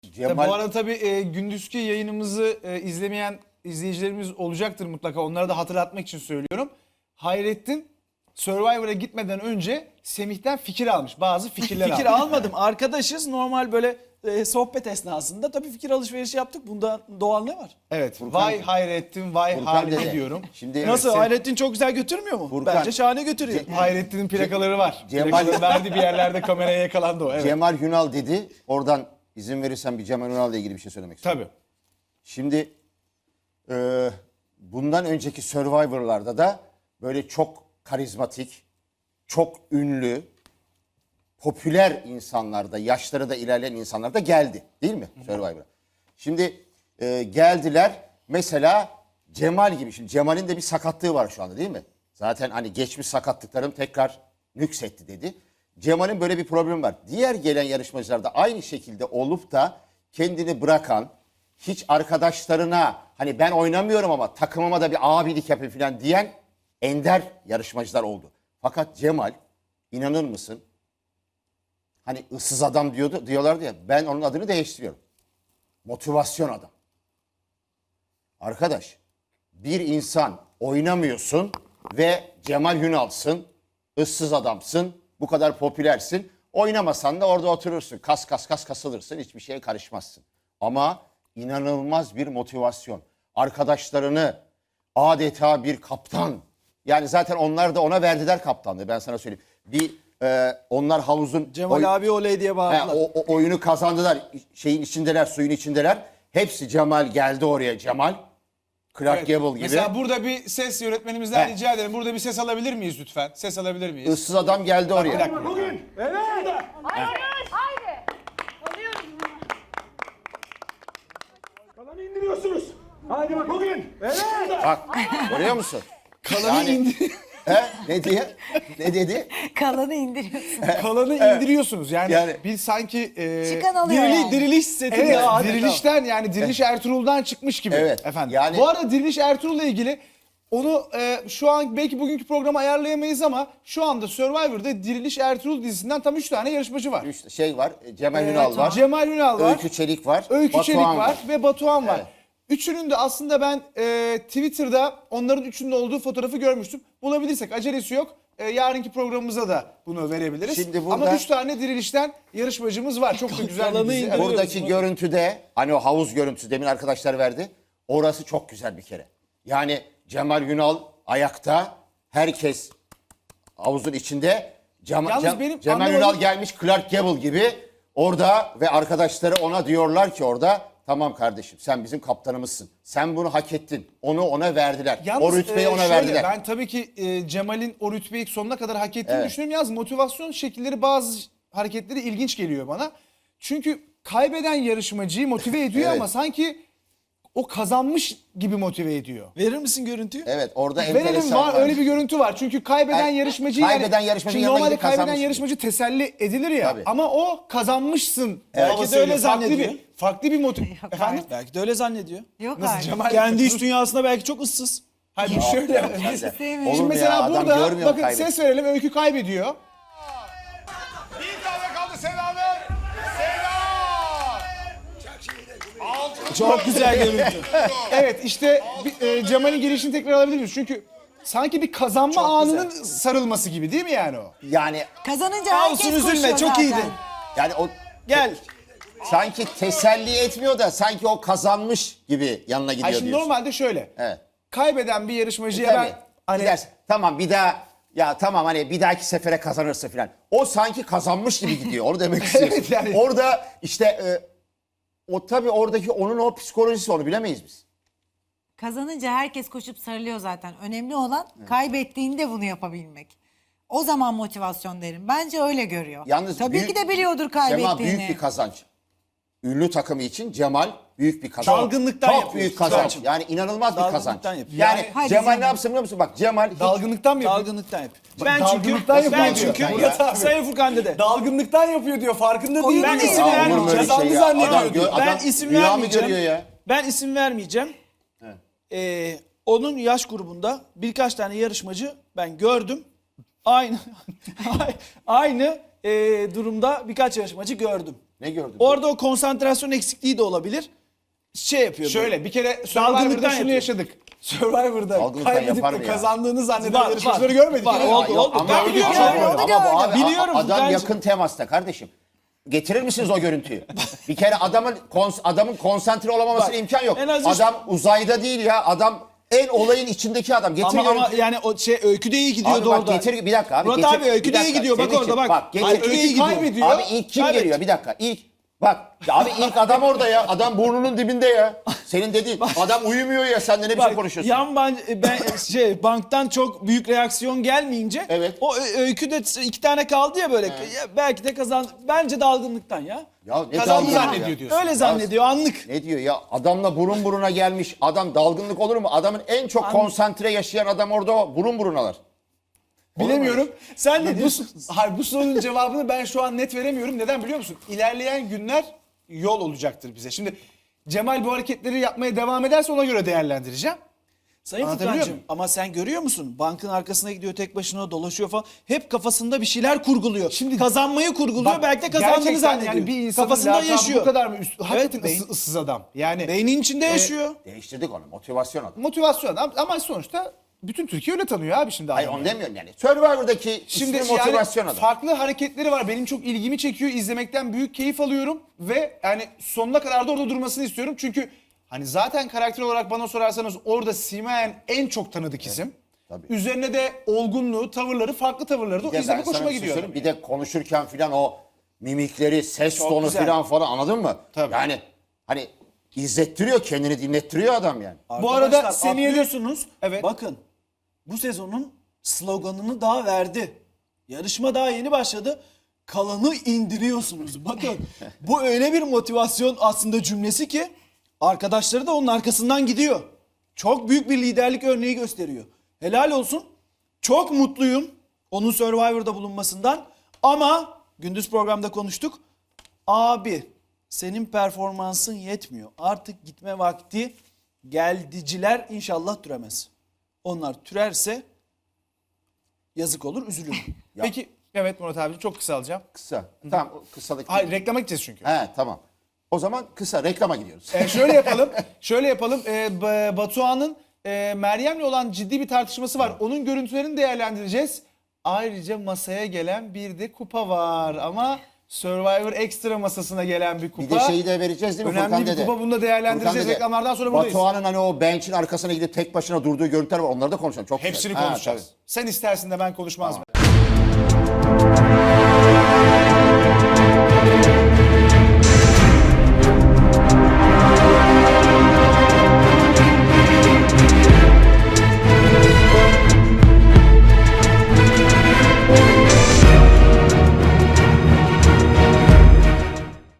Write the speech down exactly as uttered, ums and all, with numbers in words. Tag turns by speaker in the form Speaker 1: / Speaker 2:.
Speaker 1: Cemal...
Speaker 2: Bu arada tabii e, gündüzki yayınımızı e, izlemeyen izleyicilerimiz olacaktır mutlaka. Onlara da hatırlatmak için söylüyorum. Hayrettin Survivor'a gitmeden önce Semih'ten fikir almış. Bazı fikirler
Speaker 3: Fikir
Speaker 2: almış.
Speaker 3: almadım. Arkadaşız. Normal böyle e, sohbet esnasında tabii fikir alışverişi yaptık. Bunda doğal ne var?
Speaker 2: Evet.
Speaker 1: Furkan-
Speaker 2: vay Hayrettin, vay
Speaker 1: Furkan
Speaker 2: Halide
Speaker 1: dede.
Speaker 2: diyorum.
Speaker 1: Şimdi
Speaker 3: Nasıl?
Speaker 1: sen-
Speaker 3: Hayrettin çok güzel götürmüyor mu?
Speaker 1: Furkan-
Speaker 3: Bence şahane götürüyor.
Speaker 2: Hayrettin'in plakaları var.
Speaker 1: Cemal-
Speaker 2: Plakaları verdi bir yerlerde kameraya yakalandı o. Evet.
Speaker 1: Cemal Hünal dedi. Oradan izin verirsen bir Cemal Hünal'la ilgili bir şey söylemek istiyorum.
Speaker 2: Tabii.
Speaker 1: Şimdi e, bundan önceki Survivor'larda da böyle çok karizmatik, çok ünlü, popüler insanlar da, yaşları da ilerleyen insanlar da geldi. Değil mi Survivor'a? Şimdi e, geldiler. Mesela Cemal gibi. Şimdi Cemal'in de bir sakatlığı var şu anda değil mi? Zaten hani geçmiş sakatlıklarım tekrar nüksetti dedi. Cemal'in böyle bir problemi var. Diğer gelen yarışmacılar da aynı şekilde olup da kendini bırakan, hiç arkadaşlarına hani ben oynamıyorum ama takımıma da bir abilik yapayım falan diyen ender yarışmacılar oldu. Fakat Cemal, inanır mısın? Hani ıssız adam diyordu, diyorlardı ya, ben onun adını değiştiriyorum. Motivasyon adam. Arkadaş, bir insan oynamıyorsun ve Cemal Hünal'sın, ıssız adamsın, bu kadar popülersin. Oynamasan da orada oturursun, kas kas kas kasılırsın, hiçbir şeye karışmazsın. Ama inanılmaz bir motivasyon. Arkadaşlarını adeta bir kaptan. Yani zaten onlar da ona verdiler kaptanlığı, ben sana söyleyeyim. Bir e, onlar havuzun...
Speaker 3: Cemal
Speaker 1: oy-
Speaker 3: abi oley diye
Speaker 1: He,
Speaker 3: bağırdılar.
Speaker 1: o, o oyunu kazandılar. Şeyin içindeler, suyun içindeler. Hepsi Cemal geldi oraya. Cemal, Clark
Speaker 2: Evet.
Speaker 1: Gable gibi.
Speaker 2: Mesela burada bir ses yönetmenimizden
Speaker 1: He.
Speaker 2: rica ederim. Burada bir ses alabilir miyiz lütfen? Ses alabilir miyiz?
Speaker 1: Issız adam geldi oraya.
Speaker 2: Bir dakika.
Speaker 4: Bugün. Evet. Haydi. Haydi. Alıyoruz bunu.
Speaker 5: Kalanı indiriyorsunuz. Hadi bak bugün. Evet.
Speaker 1: Bak, görüyor musun?
Speaker 2: Kalanı
Speaker 1: Yani-
Speaker 2: indir-
Speaker 1: He? Ne diye? Ne dedi?
Speaker 6: Kalanı indiriyorsun.
Speaker 2: Kalanı indiriyorsunuz. Yani,
Speaker 1: Yani-
Speaker 2: bir sanki e,
Speaker 6: Çıkan alıyor
Speaker 3: Dirili,
Speaker 6: yani.
Speaker 3: diriliş seti
Speaker 2: Evet,
Speaker 3: ya. adeta.
Speaker 2: dirilişten yani Diriliş Ertuğrul'dan çıkmış gibi
Speaker 1: Evet,
Speaker 2: efendim.
Speaker 1: yani-
Speaker 2: Bu arada Diriliş Ertuğrul'la ilgili onu e, şu an belki bugünkü programı ayarlayamayız ama şu anda Survivor'da Diriliş Ertuğrul dizisinden tam üç tane yarışmacı var.
Speaker 1: Üç şey var. Cemal
Speaker 2: Ee,
Speaker 1: Hünal var.
Speaker 2: Cemal Hünal var.
Speaker 1: Öykü Çelik var.
Speaker 2: Öykü
Speaker 1: Batuhan
Speaker 2: Çelik var, ve Batuhan var.
Speaker 1: Evet.
Speaker 2: Üçünün de aslında ben e, Twitter'da onların üçünün olduğu fotoğrafı görmüştüm. Bulabilirsek acelesi yok. E, yarınki programımıza da bunu verebiliriz.
Speaker 1: Şimdi burada-
Speaker 2: Ama üç tane Diriliş'ten yarışmacımız var. Çok da güzel bir
Speaker 3: Kalanı
Speaker 2: dizi.
Speaker 3: indiriyoruz.
Speaker 2: Evet.
Speaker 1: Buradaki görüntüde hani o havuz görüntüsü demin arkadaşlar verdi. Orası çok güzel bir kere. Yani Cemal Hünal ayakta, herkes havuzun içinde. Cem,
Speaker 2: Yalnız
Speaker 1: Cem-
Speaker 2: benim
Speaker 1: Cemal
Speaker 2: anlamadığım-
Speaker 1: Hünal gelmiş Clark Gable gibi orada ve arkadaşları ona diyorlar ki orada tamam kardeşim sen bizim kaptanımızsın. Sen bunu hak ettin. Onu ona verdiler.
Speaker 2: Yalnız,
Speaker 1: o rütbeyi
Speaker 2: e,
Speaker 1: ona
Speaker 2: şöyle,
Speaker 1: verdiler.
Speaker 2: Ben tabii ki e, Cemal'in o rütbeyi sonuna kadar hak ettiğini
Speaker 1: Evet.
Speaker 2: düşünüyorum. Yalnız motivasyon şekilleri bazı hareketleri ilginç geliyor bana. Çünkü kaybeden yarışmacıyı motive ediyor
Speaker 1: Evet.
Speaker 2: ama sanki o kazanmış gibi motive ediyor.
Speaker 3: Verir misin görüntüyü?
Speaker 1: Evet orada
Speaker 2: Verelim
Speaker 1: enteresan
Speaker 2: var öyle bir görüntü var. Çünkü kaybeden
Speaker 1: Yani,
Speaker 2: yarışmacıyı
Speaker 1: kaybeden
Speaker 2: yani,
Speaker 1: yarışmacı
Speaker 2: şimdi
Speaker 1: yanına
Speaker 2: normalde
Speaker 1: gidip
Speaker 2: kaybeden
Speaker 1: kazanmış
Speaker 2: yarışmacı teselli edilir ya.
Speaker 1: Tabii.
Speaker 2: Ama o kazanmışsın.
Speaker 3: Belki
Speaker 2: havası
Speaker 3: de öyle
Speaker 2: veriyor. Farklı
Speaker 3: zannediyor.
Speaker 2: bir farklı bir motiv. Efendim?
Speaker 3: Belki de öyle zannediyor.
Speaker 6: Yok
Speaker 2: Nasıl
Speaker 6: artık.
Speaker 2: Cemal?
Speaker 3: Kendi iç dünyasında belki çok ıssız.
Speaker 2: Hayır bu şöyle.
Speaker 1: Sen de.
Speaker 6: Sevmiyorum.
Speaker 1: Olur
Speaker 2: Şimdi
Speaker 1: mu
Speaker 2: mesela
Speaker 1: ya? Adam
Speaker 2: burada
Speaker 1: görmüyor mu
Speaker 2: bakın
Speaker 1: kaybet-
Speaker 2: ses verelim. Öykü kaybediyor.
Speaker 7: Bir tane kaldı Selam'ın. Selam. Altın
Speaker 3: Çok güzel görüntü.
Speaker 2: Evet işte bir, e, Cemal'in girişini tekrar alabilir miyiz? Çünkü sanki bir kazanma
Speaker 3: Çok
Speaker 2: anının sarılması gibi değil mi yani o?
Speaker 1: Yani
Speaker 6: Kazanınca herkes
Speaker 3: Olsun, üzülme,
Speaker 6: koşuyor
Speaker 3: çok
Speaker 6: zaten.
Speaker 3: iyiydin.
Speaker 1: yani o
Speaker 3: Gel.
Speaker 1: sanki teselli etmiyor da sanki o kazanmış gibi yanına gidiyor
Speaker 2: Ay şimdi
Speaker 1: diyorsun.
Speaker 2: normalde şöyle.
Speaker 1: Evet.
Speaker 2: Kaybeden bir yarışmacıya
Speaker 1: Tabii.
Speaker 2: ben hani
Speaker 1: Gidersin. Tamam bir daha ya tamam hani bir dahaki sefere kazanırsa falan. O sanki kazanmış gibi gidiyor. Onu demek istiyorsun.
Speaker 2: Evet, yani.
Speaker 1: Orada işte e, o tabii oradaki onun o psikolojisi onu bilemeyiz biz.
Speaker 6: Kazanınca herkes koşup sarılıyor zaten. Önemli olan kaybettiğinde bunu yapabilmek. O zaman motivasyon derim. Bence öyle görüyor.
Speaker 1: Yalnız
Speaker 6: Tabii
Speaker 1: büyük-
Speaker 6: ki de biliyordur
Speaker 1: Cemal
Speaker 6: kaybettiğini.
Speaker 1: büyük bir kazanç. Ünlü takımı için Cemal büyük bir kazanç.
Speaker 3: Dalgınlıktan
Speaker 1: Çok
Speaker 3: yapıyor.
Speaker 1: büyük kazanç.
Speaker 3: Zaten.
Speaker 1: Yani inanılmaz bir
Speaker 3: Dalgınlıktan
Speaker 1: kazanç.
Speaker 3: yapıyor.
Speaker 1: Yani
Speaker 6: Hadi
Speaker 1: Cemal
Speaker 6: canım.
Speaker 1: ne yapsın biliyor musun? Bak Cemal hiç
Speaker 2: dalgınlıktan mı yapıyor?
Speaker 3: Dalgınlıktan yap.
Speaker 2: Bak,
Speaker 3: Ben çünkü
Speaker 2: dalgınlıktan
Speaker 3: ben
Speaker 2: yapıyor
Speaker 3: çünkü
Speaker 2: diyor. Murat abi.
Speaker 3: Sayın Furkan dede.
Speaker 2: Dalgınlıktan yapıyor diyor. Farkında değil.
Speaker 6: Ben
Speaker 2: mi?
Speaker 6: isim
Speaker 2: Aa,
Speaker 6: vermeyeceğim.
Speaker 2: olur mu öyle
Speaker 1: Kazandı
Speaker 2: şey ya?
Speaker 1: zannediyor
Speaker 2: Adam
Speaker 1: diyor.
Speaker 2: gö-
Speaker 3: Ben
Speaker 1: Adam
Speaker 3: isim
Speaker 1: rüya mı
Speaker 3: vermeyeceğim.
Speaker 1: görüyor ya?
Speaker 3: Ben isim vermeyeceğim. Ee, onun yaş grubunda birkaç tane yarışmacı ben gördüm. Aynı aynı e, durumda birkaç yarışmacı gördüm.
Speaker 1: Ne gördün?
Speaker 3: Orada o konsantrasyon eksikliği de olabilir. Şey yapıyor.
Speaker 2: Şöyle bir kere
Speaker 3: Dalgınlıktan
Speaker 2: Survivor'da şunu
Speaker 3: yapıyor.
Speaker 2: yaşadık. Survivor'da
Speaker 1: Dalgınlıktan
Speaker 2: kaybedip
Speaker 1: yapar
Speaker 2: de
Speaker 1: mı ya?
Speaker 2: kazandığını zanneden
Speaker 3: Var,
Speaker 2: yarışmacıları
Speaker 3: var.
Speaker 2: görmedik.
Speaker 3: Var,
Speaker 2: değil mi?
Speaker 3: oldu, oldu.
Speaker 1: Ama,
Speaker 3: Ben biliyorum.
Speaker 1: ama,
Speaker 6: Onu
Speaker 1: ama bu abi,
Speaker 3: Biliyorum
Speaker 1: adam
Speaker 3: Furkan'cığım.
Speaker 1: yakın temasta kardeşim. Getirir misiniz o görüntüyü? Bir kere adamın kons- adamın konsantre olamamasına
Speaker 3: Bak,
Speaker 1: imkan yok.
Speaker 3: en az üç-
Speaker 1: Adam uzayda değil ya. Adam en olayın içindeki adam. Getir
Speaker 3: Ama, ama
Speaker 1: görüntüyü.
Speaker 3: yani o şey öyküde iyi gidiyordu
Speaker 1: Abi bak
Speaker 3: orada.
Speaker 1: getir bir dakika abi.
Speaker 3: Murat
Speaker 1: getir,
Speaker 3: abi öyküde
Speaker 1: bir
Speaker 3: iyi
Speaker 1: dakika.
Speaker 3: gidiyor. Bak
Speaker 1: Senin
Speaker 3: orada
Speaker 1: için-
Speaker 3: bak.
Speaker 1: getir.
Speaker 3: Öyküde iyi gidiyor.
Speaker 2: kaybediyor.
Speaker 1: Abi ilk kim
Speaker 3: Evet.
Speaker 1: geliyor? Bir dakika. İlk bak abi ilk adam orada ya. Adam burnunun dibinde ya. Senin dediğin adam uyumuyor ya. Sen de ne biçim
Speaker 3: Bak,
Speaker 1: konuşuyorsun?
Speaker 3: yan ban, ben şey banktan çok büyük reaksiyon gelmeyince
Speaker 1: Evet.
Speaker 3: o ö- öyküde iki tane kaldı ya böyle. Ya belki de kazan. Bence dalgınlıktan ya.
Speaker 1: Ya ne
Speaker 2: Kazandı
Speaker 1: dalgınlığı
Speaker 2: zannediyor
Speaker 1: ya?
Speaker 2: diyorsun.
Speaker 3: Öyle zannediyor anlık.
Speaker 1: Ne diyor ya? Adamla burun buruna gelmiş. Adam dalgınlık olur mu? Adamın en çok konsantre yaşayan adam orada o. Burun burunalar.
Speaker 2: Bilemiyorum.
Speaker 3: Sen ne
Speaker 2: bu,
Speaker 3: diyorsun?
Speaker 2: hayır, bu sorunun cevabını ben şu an net veremiyorum. Neden biliyor musun? İlerleyen günler yol olacaktır bize. Şimdi Cemal bu hareketleri yapmaya devam ederse ona göre değerlendireceğim.
Speaker 3: Sayın
Speaker 2: Anlatabiliyor
Speaker 3: Furkan'cığım
Speaker 2: muyum?
Speaker 3: ama sen görüyor musun? Bankın arkasına gidiyor tek başına dolaşıyor falan. Hep kafasında bir şeyler kurguluyor. Şimdi kazanmayı kurguluyor.
Speaker 2: Bak,
Speaker 3: belki de kazandığını
Speaker 2: gerçekten
Speaker 3: zannediyor.
Speaker 2: Yani bir insanın
Speaker 3: Kafasında
Speaker 2: lakabı
Speaker 3: yaşıyor.
Speaker 2: bu kadar mı üst, hakikaten
Speaker 3: beyin-
Speaker 2: ısı- ıssız adam. Yani
Speaker 3: Beynin içinde yaşıyor.
Speaker 1: Değiştirdik onu. Motivasyon adam.
Speaker 2: motivasyon adam ama sonuçta bütün Türkiye öyle tanıyor abi şimdi.
Speaker 1: Hayır
Speaker 2: adamı.
Speaker 1: onu demiyorum yani. Survivor'daki
Speaker 2: Şimdi
Speaker 1: ismi motivasyon
Speaker 2: yani
Speaker 1: adam.
Speaker 2: farklı hareketleri var. Benim çok ilgimi çekiyor. İzlemekten büyük keyif alıyorum ve yani sonuna kadar da orada durmasını istiyorum. Çünkü hani zaten karakter olarak bana sorarsanız orada simayen en çok tanıdık isim.
Speaker 1: tabii.
Speaker 2: Üzerine de olgunluğu, tavırları, farklı tavırları da o
Speaker 1: Bir de
Speaker 2: izlemek
Speaker 1: ben sana
Speaker 2: hoşuma
Speaker 1: bir şey
Speaker 2: gidiyor.
Speaker 1: söyleyeyim. Bir de konuşurken filan o mimikleri, ses
Speaker 3: Çok
Speaker 1: tonu
Speaker 3: güzel.
Speaker 1: filan falan anladın mı?
Speaker 2: Tabii.
Speaker 1: Yani hani izlettiriyor, kendini dinlettiriyor adam yani.
Speaker 2: Bu arada
Speaker 3: Arkadaşlar,
Speaker 2: Semih'e de-
Speaker 3: atlıyorsunuz.
Speaker 2: Evet.
Speaker 3: Bakın bu sezonun sloganını daha verdi. Yarışma daha yeni başladı. Kalanı indiriyorsunuz. Bakın bu öyle bir motivasyon aslında cümlesi ki arkadaşları da onun arkasından gidiyor. Çok büyük bir liderlik örneği gösteriyor. Helal olsun. Çok mutluyum onun Survivor'da bulunmasından. Ama gündüz programda konuştuk. Abi senin performansın yetmiyor. Artık gitme vakti geldiciler inşallah türemez. Onlar türerse yazık olur, üzülürüm.
Speaker 2: Peki evet Murat abi çok kısa alacağım.
Speaker 1: Kısa. Tamam o kısalık.
Speaker 2: Hayır reklama gideceğiz çünkü.
Speaker 1: He tamam. O zaman kısa reklama gidiyoruz.
Speaker 2: Ee, şöyle yapalım. Şöyle yapalım. Ee, B- Batuhan'ın e, Meryem'le olan ciddi bir tartışması var. Onun görüntülerini değerlendireceğiz. Ayrıca masaya gelen bir de kupa var ama Survivor Extra masasına gelen bir kupa.
Speaker 1: Bir de şeyi de vereceğiz değil mi
Speaker 2: Önemli
Speaker 1: Furkan
Speaker 2: bir
Speaker 1: dede?
Speaker 2: kupa, bunu da değerlendireceğiz.
Speaker 1: Furkan dede,
Speaker 2: Reklamlardan sonra buradayız.
Speaker 1: Batuhan'ın hani o bench'in arkasına gidip tek başına durduğu görüntüler var. Onları da konuşalım. Çok
Speaker 2: Hepsini
Speaker 1: güzel. Ha,
Speaker 2: konuşacağız.
Speaker 1: tabii.
Speaker 2: Sen istersin de ben konuşmaz mı?